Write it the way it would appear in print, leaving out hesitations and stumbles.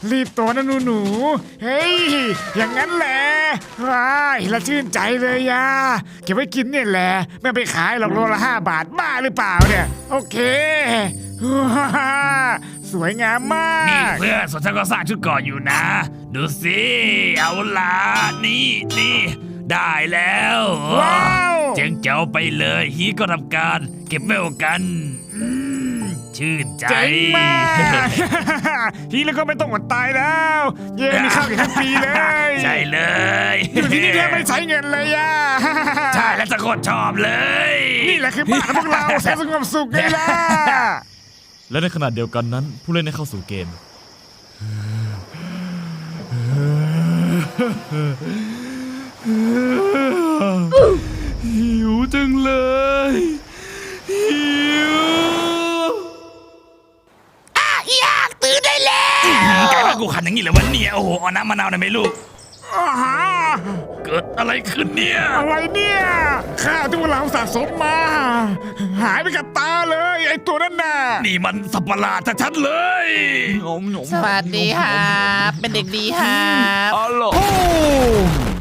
รีบตัวนะหนูเฮ้ยอย่างนั้นแหละว้ายละชื่นใจเลยยาเก็บไว้กินเนี่ยแหละไม่ไปขายหรอกโลละ5 บาทบ้าหรือเปล่าเนี่ยโอเคว้าสวยงามมานี่กเพื่อนส่วนฉันก็สร้างชุดเกราะอยู่นะ ดูสิเอาล่ะนี่ได้แล้วว้าวเจ๋งเจ๋วไปเลยฮีก็ทำการเก็บเวลกันชื่นใจเจ๋งมากฮีแล้วก็ไม่ต้องอดตายแล้วเย้มีข้าวกินทั้งปีเลยใช่เลยอยู่ที่นี่แทบไม่ใช้เงินเลยย่าใช่แล้วจะกดชอบเลยนี่แหละคือบ้านของพวกเราแสนสงบสุขไงล่ะและในขณะเดียวกันนั้นผู้เล่นได้เข้าสู่เกม หิวจังเลยหิวอยากตื่นได้แล้วกลายเป็นกูขันอย่างนี้เลยวันนี้โอ้โหเอาน้ำมะนาวหน่อยไหมลูกอาหาเกิดอะไรขึ้นเนี่ยอะไรเนี่ยข้าวที่พวกเราสะสมมา หายไปกับตาเลยไอ้ตัวนั้นน่ะนี่มันสัตว์ประหลาดชัดๆเลยสวัสดีครับเป็นเด็กดีครับอ๋อเหรอโอ้